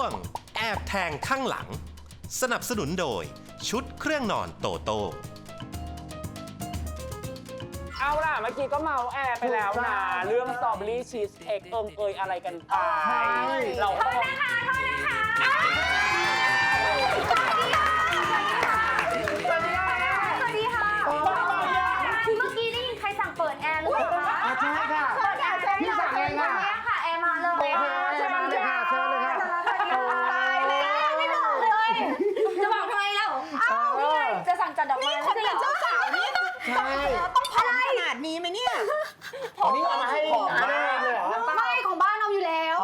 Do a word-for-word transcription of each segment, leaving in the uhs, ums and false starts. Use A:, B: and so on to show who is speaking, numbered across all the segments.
A: งแอบแทงข้างหลังสนับสนุนโดยชุดเครื่องนอนโตโต้
B: เอาล่ะเมื่อกี้ก็เมาแอร์ไปแล้วนะเรื่องสตรอเบอรี่ชีสเค้กเอิงเอยอะไรกันไปเราโทษนะคะโทษนะคะสวัสดีค่ะสวัสดีค่ะเมื่อกี้ได้ยินใครสั่งเปิดแอร์หรือเปล่าคะใช่ค่ะเปิดแอร์พี่สั่งเองค่ะค่ะแอร์มาเลยเชิญเลยค่ะเชิญเลยค่ะตายแล้วไม่บอกเลยจะบอกทำไมเล่าอ้าวนี่ไงจะสั่งจัดดอกไม้ไม่ใช่เหรอเจ้าสาวนี่ใช่ต้องพอขนาดนี้ไหมเนี่ย
C: อันนี้เอามาให้ของแม่เลยเหรอ
D: ไม่ของบ้านเอาอยู่แล้ว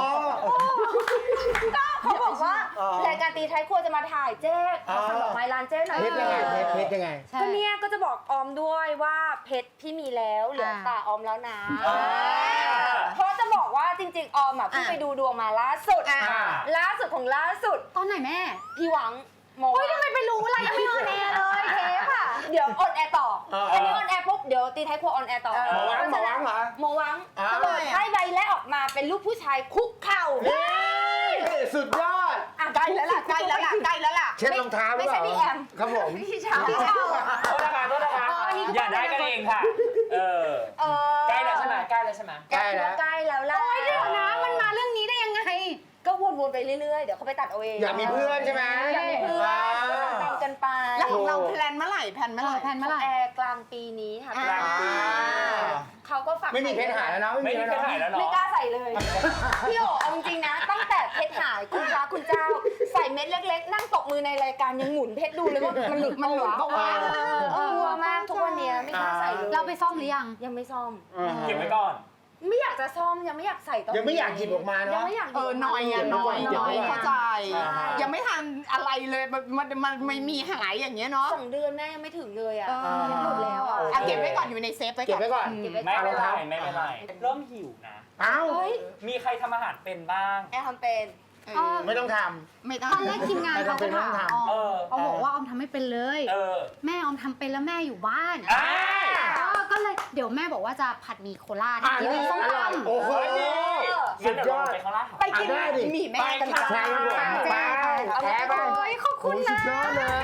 D: ก็เขาบอกว่ารายการตีท้ายครัวจะมาถ่ายเจ๊ขอสั่งดอกไม้ร้านเจ๊หน่อย
C: เพชรยังไงเพชรยังไง
D: ก็เนี่ยก็จะบอกออมด้วยว่าเพชรพี่มีแล้วเหลือตาออมแล้วนะเพราะจะบอกว่าจริงๆออมอ่ะเพิ่งไปดูดวงมาล่าสุดล่าสุดของล่าสุด
E: ตอนไหนแม่
D: พี่หวังเฮ้ยทำไมไปรู้อะไรยังไม่ออนแอร์เลยเทปอ่ะเดี๋ยวออนแอร์ต่ออันนี้ออนแอร์ปุ๊บเดี๋ยวตีท้ายครัวออนแอร์ต่อ
C: หมอวังหมอวังเหรอ
D: หมอวังเขาเปิดไพ่ใบแรกออกมาเป็นรูปผู้ชายคุกเข่า
C: สุดยอด
D: ใกล้แล้วล่ะใกล้แล้วล่ะใกล้แล้วล่ะ
C: เช็ดรองเท้า
D: ไม่ใช่พี่แอม
C: ครับผม
D: พี่เช้าพี่เช้า
B: โทษนะคะโทษนะคะอย่าได้กันเองค่ะเออใกล้แล้วใช่ไหมใกล้แล้วใช่ไหม
D: ใกล้แล้วใกล้แล้วล่ะ
E: โอ้ยเดี๋ยวนะมันมาเรื่องนี้ได้ยังไง
D: ก็วนๆไปเรื่อยๆเดี๋ยวเขาไปตัดเอาเอง
C: อยากมีเพื่อนใช่ไหม
D: อยากมีเพื่อนตามกันไป
E: แล้วของเราแพลนเมื่อไหร่แพลนเมื่อไหร่แพลนเมื่อไหร่
D: แอร์กลางปีนี้ค่ะ
B: กลางปี
D: เขาก็ฝาก
C: ไม่มีเพชรหายแล้วเนาะ
B: ไม่มีเพชรหายแล้วเนาะ
D: ไม่กล้าใส่เลยพี่โอ๋เอาจริงๆนะตั้งแต่เพชรหายคุณพระคุณเจ้าใส่เม็ดเล็กๆนั่งตบมือในรายการยังหมุนเพชรดูเลยว่ามันหลุดมันหลุดก็ว่ากลัวมากทุกวันนี้ไม่กล้าใส่เลย
E: เราไปซ่อมหรือยัง
D: ยังไม่ซ่อม
B: เก็บไว้ก่อน
D: ไม่อยากจะซ่อมยังไม่อยากใส่ตอน
C: ยังไม่อยากหยิบออกมาเนาะ
D: ยังไม่อยาก
E: เออน้อยอ่ะน้อยน้อยเข้าใจยังไม่ทันอะไรเลยมันมันมันไม่มีหายอย่างเงี้ยเนาะ
D: สองเดือนแม่ยังไม่ถึงเลยอ่ะหลุดแล้วอ่ะ
E: เก็บไว้ก่อนอยู่ในเซฟไว้ก่อน
C: เก็บไว้ก่อน
B: ไม่เป็นไรไม่เป็นไรเริ่มหิวนะ
C: อ้าว
B: มีใครทำอาหารเป็นบ้าง
D: แอร์ทำเป็น
C: ไม่ต้องท
E: ำไม่ต้องตอนแรกทีมงานเขาก็ถามออมเขาบอกว่าออมทำไม่เป็นเลยแม่ออมทำเป็นแล้วแม่อยู่บ้านก็เลยเดี๋ยวแม่บอกว่าจะผัดหมี่โคราช
C: กินส้มตำโอ้โห
B: สุดยอดไปโคราช
E: ไปกินหมี่แม่กันค่ะ
C: ใช่ครับผมไปแพ้ไป
E: ขอบคุณนะ
C: สุดยอดเลย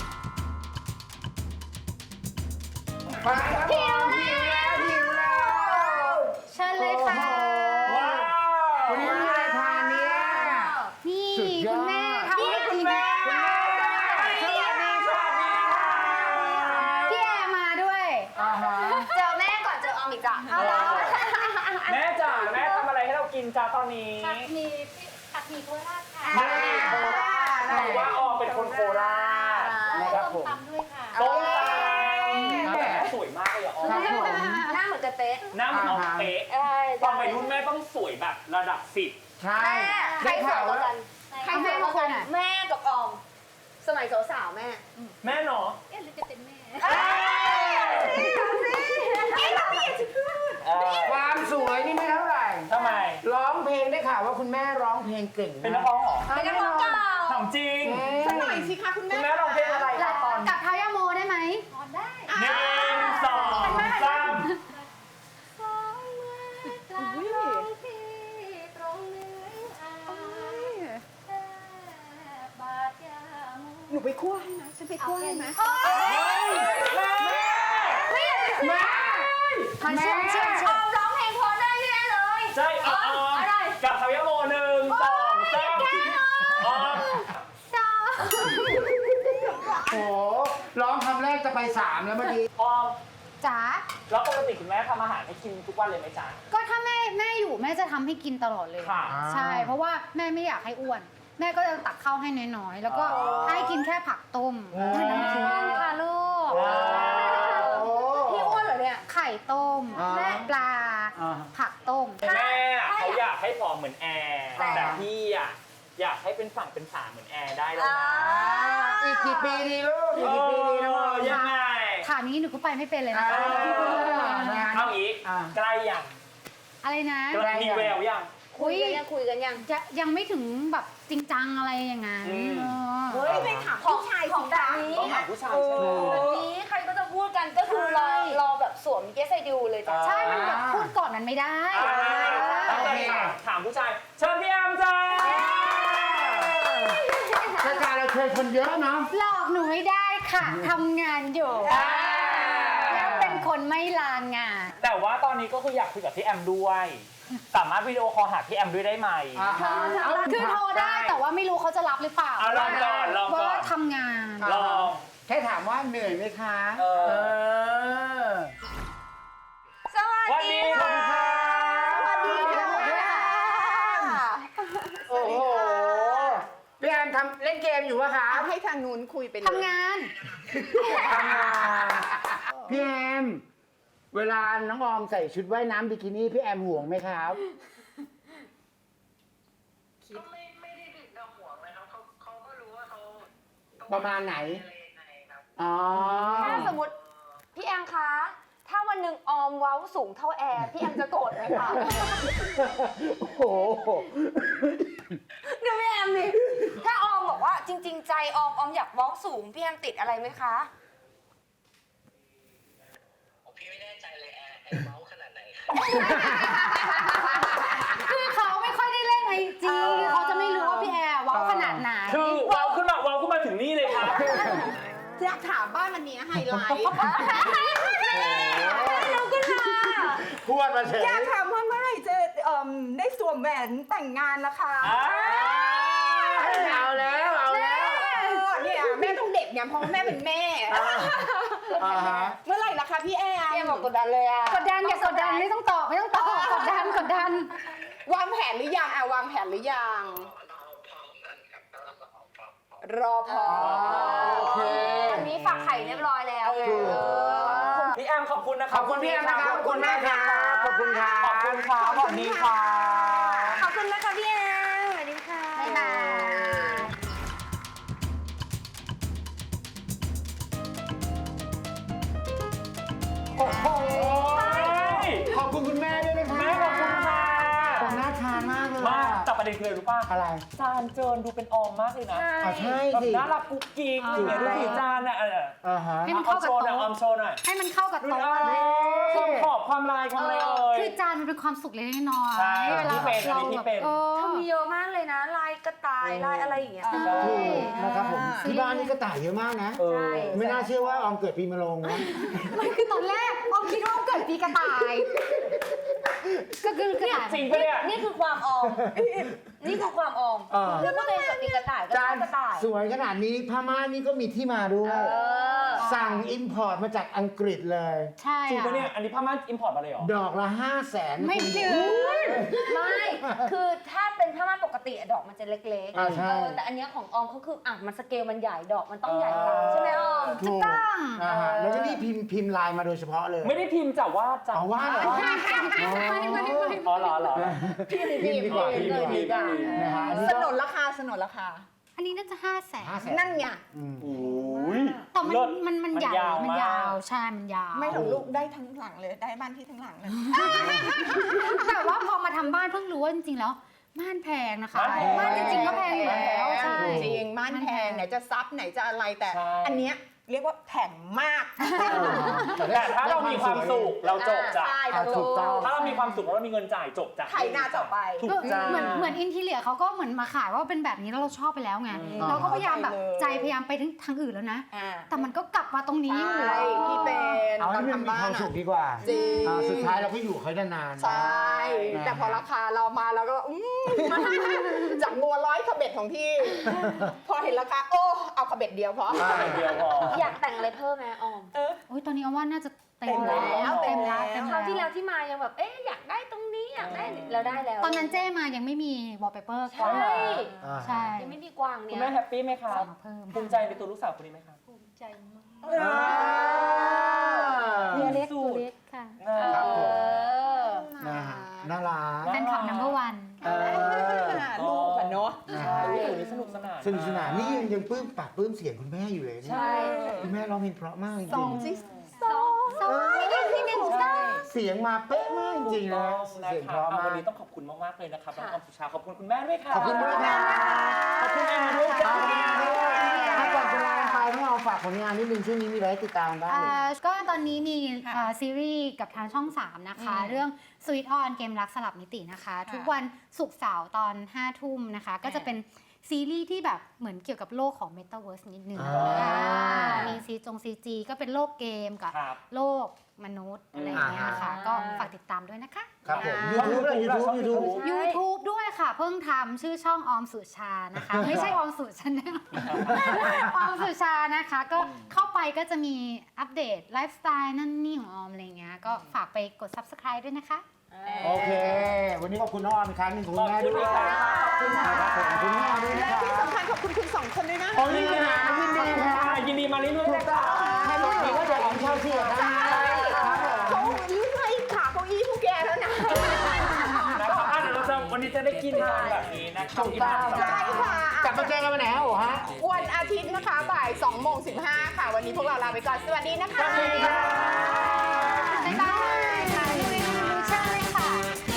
C: ไปครับหิวแล้วหิวแล้ว
E: เชิญเลยค่ะ
B: ว้าว
C: วันนี้มีอะไรทานเนี่ย
E: นี่คุณแม่ทำให้คุณแม่
B: สวัสดีสวัสดีค่ะ
E: พี่แอร์มาด้วย
D: เจอแม่ก่อนเจอออมอีกจ้ะ
B: แม่จ๋าแม่ทำอะไรให้เรากินจ้าตอนนี้
D: ผัดหมี่ผัดหมี่โคราชค่ะ
B: ผัดหมี่โคราชเพราะว่าออมเป็นคนโคราช
D: นะครับผมตำด้วยค่ะ
B: ต้มตำแม่สวยมากเลยออม
D: หน้าเหมือนจะเป๊ะ
B: หน้าเหมือนออมเป๊ะตอนวัยรุ่นแม่ต้องสวยแบบระดับสิบ
C: ใช่
D: ใครสวยกว่ากัน
E: ใครสวยกว่ากัน
D: แม่กับออมสมัยสาวๆแม่
B: แม่เนาะ
D: เอ๊ะหรือจะเป็นแม่
C: ความสวยนี่ไม่เท่าไหร่
B: ทำไม
C: ร้องเพลงได้ข่าวว่าคุณแม่ร้องเพลงเก่ง
B: เป็นนักร้องเหรอ
D: เป็นนักร้องเก่า
B: ของจริง
E: สักหน่อยสิคะคุณแม่
B: คุณแม่ร้องเพลงอะไร
E: ตอนกับท้ายาโมได้ไหม
D: ร้องได้
B: หนึ่งสองสาม
E: หนูไปคั่วให้นะฉันไปคั่วให้นะ
D: แม่แม่แม่เชื่อเชื่อเชื่อร้องเพลงพอได้แน่เลย
B: ใช่อ๋อกับทายาโมหนึ่งสองสามอ๋อ
C: โอ้ร้องคำแรกจะไปสามแล้วเมื่อกี้
B: ออม
E: จ๋า
B: แล้วปกติคุณแม่ทำอาหารให้กินทุกวันเลยไหมจ๊ะ
E: ก็ถ้าแม่แม่อยู่แม่จะทำให้กินตลอดเลยใช่เพราะว่าแม่ไม่อยากให้อ้วนแม่ก็จะตักข้าวให้น้อยๆแล้วก็ให้กินแค่ผักต้มน้ำขิงค่ะลูก
D: พี่อ้วนเหรอเนี่ย
E: ไข่ต้มแม่ปลาผักต้ม
B: แม่เขาอยากให้ผอมเหมือนแอร์แต่พี่อ่ะอยากให้เป็นฝั่งเป็นฝาเหมือนแอร์ได้แล้วนะ
C: อีกกี่ปีดีลูกอีกกี่ปีดีลูก
B: ยังไง
E: ถามนี้หนูก็ไปไม่เป็นเลยนะ
B: เอาอีกใกล้ยัง
E: อะไรนะ
B: มีแววยัง
D: คุยกันยังคุยกันยัง
E: จะยังไม่ถึงแบบจริงจังอะไรอย่างงั้น
D: เฮ้ยไปถามผู้ชายของแบบนี้
B: ต้องถามผู้ชายใช่ไหม
D: แบบนี้ใครก็จะพูดกันก็คือรอรอแบบสวมเกสไซดิวเลยจ้ะ
E: ใช่มันแบบพูดก่อนมันไม่ได้
B: ถามผู้ชายเชิญพี่แอมจ้า
C: เคยคนเยอะเนาะ
E: หลอกหนูไม่ได้ค่ะทำงานอยู่แล้วเป็นคนไม่ลางาน
F: แต่ว่าตอนนี้ก็คืออยากคุยกับพี่แอมด้วย สามารถวิดีโอคอลหาพี่แอมด้วยได้ไหม
C: อ่าฮะ
E: คือโทรได้แต่ว่าไม่รู้เขาจะรับหรือเปล่า
F: เอาลองก่อนลองก่อน
E: ว่าทำงาน
F: ลอง
C: แค่ถามว่าเหนื่อยไหมคะ
F: เออ
C: เออ
D: สวัสดี
F: สวัสดี
D: ค่ะ
F: ค่ะ
D: สวัสดีค่ะ
C: โอ้โหพี่แอมทำเล่นเกมอยู่ปะคะ
G: เอาให้ทางนู้นคุยไปเลย
E: ทำงาน
C: ทำงานพี่แอมเวลาน้องออมใส่ชุดว่ายน้ำบิกินี่พี่แอมห่วงไหมครับ
H: ก็ไม่ไม่ได้ถึงกับห่วงนะครับเขาเขาก็รู้ว่าเขา
C: ประมาณไหน
H: อะไรยังไงครับ
C: อ๋อ
D: ถ้าสมมติพี่แอมคะ ถ้าวันหนึ่งออมเว้าสูงเท่าแอร์พี่แอมจะโกรธไหมคะ
C: โอ้โห
D: ดูพี่แอมดิถ้าออมบอกว่าจริง ๆ ใจออมออมอยากเว้าสูงพี่แอมติดอะไรไหมคะ
H: ผมพี่ไม่แน่ใจเลยแอร์แอร์เมาส์ขนาดไหนครับ
E: คือเขาไม่ค่อยได้เล่นไอจีเขาจะไม่รู้ว่าพี่แอร์ว้าวขนาดไหน
F: คือเว้าวขึ้นมาเว้าวขึ้นมาถึงนี่เลยครับ
G: อยากถามบ้านอันนี้ไฮไลท์
C: พูดมาเฉย
G: อยากถามว่าเมื่อไหร่จะเอ่มได้สวมแหวนแต่งงานนะคะ
C: เอาแล้วเอาแล้ว
G: เออเนี่ยแม่ต้องเด็กเนี่ยเพราะว่าแม่เป็นแม่
C: อ่าฮะ
G: เมื่อไหร่ล่ะคะพี่แอม
D: พี่แอมบอกกดดันเลยอะ
E: กดดันอย่ากดดันไม่ต้องตอบไม่ต้องตอบกดดันกดดัน
G: วางแผนหรือยังอ่ะวางแผนหรือยัง
H: เราพร้อมกันครับเราพร้อมพร้อมพร้อม
G: รอพอ
C: โอเค
D: อันนี้ฝากไข่เรียบร้อยแล้ว
G: เออ
F: พี่แอมขอบคุณนะค
C: ข
F: รั
C: อบคุณพี่แอมนะครับขอบคุณมากครับขอบคุณครับ
F: ขอบคุณครับสวัสดีค่ะ
D: ขอบคุณนะคะพี่แอมสวัสดีค่ะ
E: บ๊ายบาย
C: โอ้โหขอบคุณคุณแม่ด้วยนะคะ
F: แม่ขอบคุณค่ะ
C: แต่น่าทานมากเลย
F: มาก
C: อะ
F: แต่ประเด็นคืออะไรรู้ป่ะ
C: อะไร
F: จานเจินดูเป็นออมมากเลยนะ
C: อ่ะใช่
F: แบบ
C: สิ
F: น่ารักกุ๊กกิ๊กอะไรอย่างเงี้ยดูสิจานอ่ะเออ
C: อ่าฮะ
E: ให้มัน
F: ออ
E: เข้าม กับ
F: โชว์หน่อยออ
E: โต๊ะ
F: มโชว์หน่อย
E: ให้มันเข้ากับ
F: ดู
E: โต๊ะ
F: นะความขอบความลายความอะไรเอ่ย
E: คือจานมันเป็นความสุขเล็กๆน้อย
F: ใช่
E: ๆเวลา
F: ที่เป็น
E: เรา
F: อันนี้ที่
E: แบบ
F: เป็น
E: เออ
D: เขามีเยอะมากเลยนะ ลายกระต่าย ลายอะไรอย่างเงี้ย
E: ใช่
C: ถูกนะครับผม
E: อ่า
C: ที่บ้านนี่ก็ต่ายเยอะมากนะ
F: เออ
D: ใช่
C: ไม่น่าเชื่อว่าออมเกิดปีมะโรงนะ
E: มันคือตอนแรกออมคิดว่าออมเกิดปีกระต่าย ก็คือกระต่าย
F: จริงปะเนี่ย
D: นี่คือความออม นี่คือความออม
C: เออ
D: คือก็ตัวเองเกิดปีกระต่ายก็ช
C: จา
D: อน บกระต่าย
C: สวยขนาดนี้ผ้าม่านนี่ก็มีที่มาด้วย
D: เออ
C: สั่งอิมพอร์ตมาจากอังกฤษเลย
E: ใช่
F: จริง
E: อะ
F: ปะเนี่ย อันนี้ผ้าม่านอิมพอร์ตมาเลยเหรอ
C: ดอกละห้าแสน
E: ไม่ถึง
D: ไม่ คือถ้าเป็นผ้าม่านปกติอะดอกมันจะเล็ก
C: อ่าใช่
D: เออแต่อันเนี้ยของออมเขาคืออ่ะมันสเกลมันใหญ่ดอกมันต้องใหญ่กว่าใช่ไหมออม
C: ถูก
E: ต้อง
C: อ่าฮะแล้วก็นี่พิมพ์พิมพ์ลายมาโดยเฉพาะเลย
F: ไม่ได้พิมพ์จากว่าจาก
C: เอาว่าเหรอ
E: ไม่ไม่ไม่ไม่
F: อ๋อเหรอเหรอ
C: พิมพ์ดีกว่าพิมพ์ดีกว่า
F: พิมพ์ดีกว่า
C: นะฮะอันนี้
G: ส
C: ก็
G: นนราคาสนนราคา
E: อันนี้น่าจะห้าแสน
C: ห้าแสน
G: นั่นไง
C: อืม
F: โอ้ย
E: แต่มัน
F: เลิศ
E: มันมัน
F: มัน
E: ใหญ่
F: ยาว
E: มัน
F: มาก
E: ยาวใช่มันยาว
G: ไม่หรอกลูกได้ทั้งหลังเลยได้บ้านที่ทั้งหลังเลย
E: แต่ว่าพอมาทำบ้านเพิ่งรู้ว่าจริงๆแล้วม่านแพงนะคะ
F: ม่านแพง
E: ม่านจริงๆก็แพงอยู่แล้วใช่
G: จริงม่านแพงไหนจะซับไหนจะอะไรแต่
F: ใช่
G: อันเนี้ยเรียกว่าแผ่งมาก
F: แต่ถ้าเรามีความสุขเราจบจ้ะ
G: ใช่
C: อ่ะถูกต้อง
F: ถ้าเรามีความสุขแล้วเรามีเงินจ่ายจบจ้ะ
G: ไถนาต่อไป
F: ถูกจ้า
E: เหมือนเหมือนอินทีเลียเขาก็เหมือนมาขายว่าเป็นแบบนี้แล้วเราชอบไปแล้วไง
F: อืม
E: เราก็พยายามแบบ
G: เข้าใจเลย
E: ใจพยายามไปถึงทางอื่นแล้วนะ
G: อ่า
E: แต่มันก็กลับมาตรงนี้อยู่
G: ใช่พี่เป็น
C: เอา
G: ตอ
C: ให้
G: น
C: มันมี
G: ทำบ้า
C: ความ
G: น
C: สุข
G: อะ
C: ดีกว่า
G: จริง
C: อ่าสุดท้ายเราก็อยู่กับเขาได้นานๆ
G: ใช่
C: นะ
G: แต่พอราคาเรามาเราก็อืมจากงัวร้อยขบเบ็ดของพี่ พอเห็นราคาโอ้เอาขบเบ็ดเดียวพอ
C: ใช่
F: เดียวพอ
D: อยากแต่งอะไรเพิ่มไหมออม
E: โอ้ยตอนนี้เอาว่าน่าจะเต็ม
G: เต็มแล้
E: แล้ว
G: ว
E: เต็มแล้ว
G: เต็
E: เต็
G: ม
E: ม
G: แล้
D: คราวที่แล้วที่มายังแบบ เอ๊ะอยากได้ตรงนี้อยากได้แล้วได้แล้ว
E: ตอนนั้นเจ้มายังไม่มีวอลเปเปอร์
D: ใช่
C: อ่า
E: ใช่
D: ยังไม่มีกวาง
F: คุ
D: เนี่
F: ณ
D: ย
F: แม่แฮปปี้ไหมคะ
E: สั่งมาเพิ่ม
F: ภูมิใจในตัวลูกสาวคนนี้ไหมคะ
D: ภูมิใจมาก
E: ตัวเล็กตัวเล็กค่ะ
C: ครับผม
D: เออ
C: นะฮะน่ารัก
E: แฟนคลับนัมเบอร์วัน
C: เออ
G: ลูกอะเนาะ
C: นะ
F: ใช่
C: ฮะ
F: ลูกนี้สนุกสนาน
C: สนุกสนานนี่ยังยังปลื้มปากปลื้มเสียงคุณแม่อยู่เลยเนี่ย
F: ใช่
C: คุณแม่ร้องเพลงเพราะมากจริง
G: สองซิ
D: สอง
E: สวัสดีที่หนึ่ง
F: ใช่
C: ๆเสียงมาเป๊ะมากจริงๆนะ
F: นะ
C: เสียง
F: คะ
C: เพราะ
F: เอา
C: มา
F: วัน
C: ก
F: นี้ต้องขอบคุณมากๆเลยนะครับน้องออมสุชาขอบคุณคุณแม่ด้วยค่ะ
C: ขอบคุณด้วยค่ะ
F: ขอบคุณแอมมาด้วยจ้า
C: ถ้าก่อนจะลาไปต้องเอาฝากผลงานนิดนึงช่วงนี้มีอะไรให้ติดตามบ้าง
E: อ่าก็ตอนนี้มีอ่าซีรีส์กับทางช่อง สามนะคะ เรื่อง Sweet On เกมรักสลับมิตินะคะ ทุกวันศุกร์เสาร์ตอนห้าทุ่มนะคะ ก็จะเป็นซีรีส์ที่แบบเหมือนเกี่ยวกับโลกของ Metaverse นิดนึง
C: อ่า
E: อ่ามีซีจงซีจีก็เป็นโลกเกมกับ
F: ครับ
E: โลกมนุษย์อะไรอย่างเงี้ยค่ะ ก็ฝากติดตามด้วยนะคะ
C: ครับผม
E: อ่า
C: YouTube เลย YouTube YouTube
E: YouTube ด้วยค่ะ เพิ่งทำชื่อช่องออมสุชานะคะ ไม่ใช่ออมสุชาแนล ออมสุชานะคะ ก็เข้าไปก็จะมีอัปเดตไลฟ์สไตล์นั่นนี่ของออมอะไรเงี้ยก็ฝากไปกด Subscribe ด้วยนะคะ
C: โอเค วันนี้ขอบคุณน้องออมอีกครั้งหนึงขอบคุณแม่ด้วยขอบคุณครับผมขอบคุณแม่ด้วยนะ
G: และ
C: ครับ
G: ที่สำคัญขอบคุณคุณสองคนด้วยนะ
C: โอ้ยยินดีนะยินดีครับ
F: ยินดีมาเรื่อยๆ
C: ถู
F: เล
C: ก
F: ย
C: ต้อ
F: ค่ะ
C: งแค่นี้ก็จะของเชลซีกับทางนั้นครับผม
G: เขาลื้อให้ขาเก้าอี้พวกแกแล้วนะ
F: นะครับอ่ะเดี๋ยวเราจะวันนี้จะได้กินกันแบบนี้นะครับ
C: ถูกต้อง
G: ใช่ค่ะ
C: กลับมาเจอกันวันไหนฮะโอ้ฮะ
G: วันอาทิตย์นะคะบ่ายสองโมงสิบห้าค่ะ วันนี้พวกเราลาไปก่อน สวัสดีนะคะ
C: สวัสดีครับ
E: บ๊ายบายค่ะดูในดูเชิญเลยค่ะ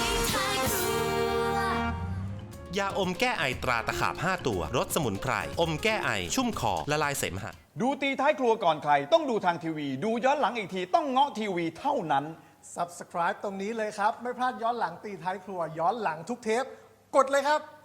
A: ยาอมแก้ไอตราตะขาบห้าตัวรสสมุนไพร อมแก้ไอ ชุ่มคอ ละลายเสมหะ
I: ดูตีท้ายครัวก่อนใคร ต้องดูทางทีวี ดูย้อนหลังอีกทีต้องเงาะทีวีเท่านั้น
J: Subscribe ตรงนี้เลยครับ ไม่พลาดย้อนหลังตีท้ายครัว ย้อนหลังทุกเทป กดเลยครับ